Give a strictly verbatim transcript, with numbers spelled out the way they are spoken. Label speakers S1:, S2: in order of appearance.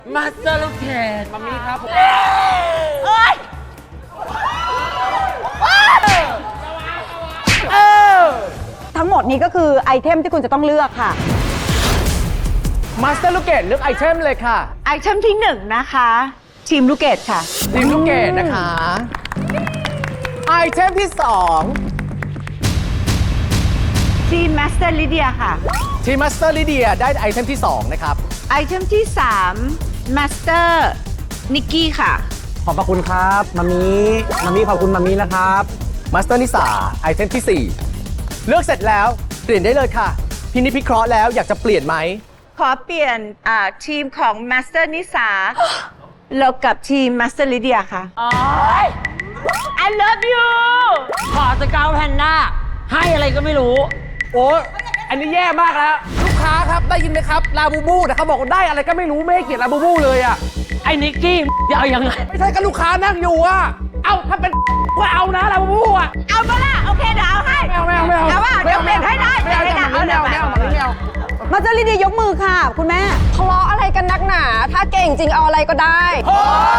S1: มาสเตอร์ลูกเกด
S2: มัมมี่ครับ
S3: เอ้ย
S2: เออ
S3: ทั้งหมดนี้ก็คือไอเทมที่คุณจะต้องเลือกค่ะ
S2: มาสเตอร์ลูกเกดเลือกไอเทมเลยค่ะ
S3: ไอเทมที่หนึ่งนะคะทีมลูกเกดค่ะ
S2: ทีมลูกเกดนะคะ ไอเทมที่สอง
S3: ทีมมาสเตอร์ลิเดียค่ะ
S2: ทีมมาสเตอร์ลิเดียได้ไอเทมที่สองนะครับ
S3: ไอเทมที่สามมาสเตอร์นิกกี้ค่ะ
S4: ขอบพระคุณครับมามีมามีขอบคุณมามีนะครับ
S2: มาสเตอร์นิสาไอเทมที่สี่เลือกเสร็จแล้วเปลี่ยนได้เลยค่ะพินิจพิเคราะห์แล้วอยากจะเปลี่ยนไหม
S3: ขอเปลี่ยนอ่าทีมของมาสเตอร์นิสาแล้วกับทีมมาสเตอร์ลิเดียค่ะ
S1: โอ้ย
S3: I love you
S1: ขอสเกลแพนด้าให้อะไรก็ไม่รู้
S2: โอ้อันนี้แย่มากแล้ว ลูกค้าครับได้ยินไหมครับลาบูบูแต่เขาบอกว่าได้อะไรก็ไม่รู้ไม่ให้เกียรติลาบูบูเลยอ่ะ
S1: ไอ้นิกกี้จะเอายังไง
S2: ไม่ใช่กับลูกค้านั่งอยู่อ่ะเอาถ้าเป็นก็เอานะลาบูบูอ่ะ
S3: เอาปะล่ะโอเคเดี๋ยวเอาให้
S2: ไม่เอาไม่เอาไม่เอา
S3: เอาว่าเดี๋ยวเปลี่ยนให้ได้
S2: ไม่เอา
S3: เปลี่ยนให้ได้
S2: ไม่เอาไม่เอาไม่เอาไม่เอา
S3: มาสเตอร์ลิเดียยกมือค่ะ คุณแม่
S5: ทะเลาะอะไรกันนักหนา ถ้าเก่งจริงเอาอะไรก็ได้
S2: เฮ้